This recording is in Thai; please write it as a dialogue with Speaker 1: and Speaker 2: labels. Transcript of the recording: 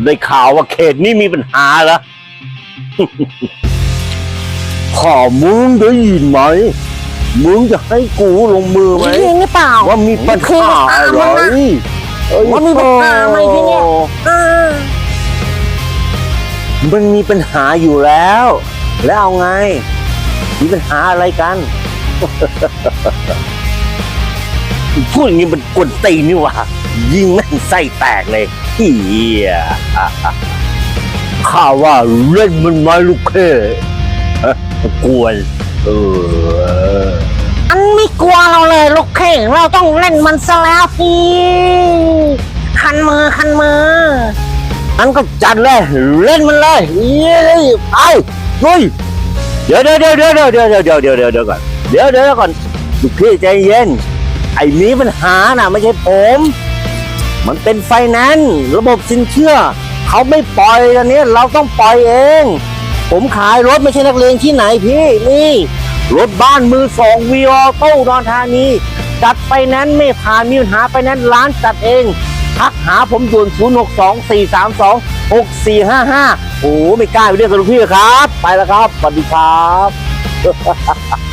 Speaker 1: ได้ข่าวว่าเขตนี้มีปัญหาเหรอ ข้ามึงได้ยินไหมมึงจะให้กูลงมือไหม
Speaker 2: จริงหรือเปล่า
Speaker 1: ว่ามีปัญหาอะไร
Speaker 2: ว่ามีปัญหาไหมที่เนี่ย
Speaker 1: มันมีปัญหาอยู่แล้ว แล้วเอาไง มีปัญหาอะไรกัน พูดอย่างนี้มันกวนตีนนี่หว่ายิงแม่งไส้แตกเลยเฮียข้าว่าเล่นมันไม้ลูกเข่กวน
Speaker 2: อันไม่กลัวเราเลยลูกเข่งเราต้องเล่นมันซะแล้วพี่คันมือ
Speaker 1: อันก็จัดเลยเล่นมันเลยไปลุยเดี๋ยวก่อนเดี๋ยวก่อนลูกพี่ใจเย็นไอ้มีปัญหาน่ะไม่ใช่ผมมันเป็นไฟแนนซ์ระบบสินเชื่อเขาไม่ปล่อยอันนี้เราต้องปล่อยเองผมขายรถไม่ใช่นักเลงที่ไหนพี่นี่รถบ้านมือสองวีออโต้อุดรธานีจัดไฟแนนซ์ไม่ผ่านมีปัญหาไฟแนนซ์ร้านจัดเองทักหาผมด่วน062-432-6455โอ้ไม่กล้าไปเรียกกับลูกพี่ครับไปแล้วครับสวัสดีครับ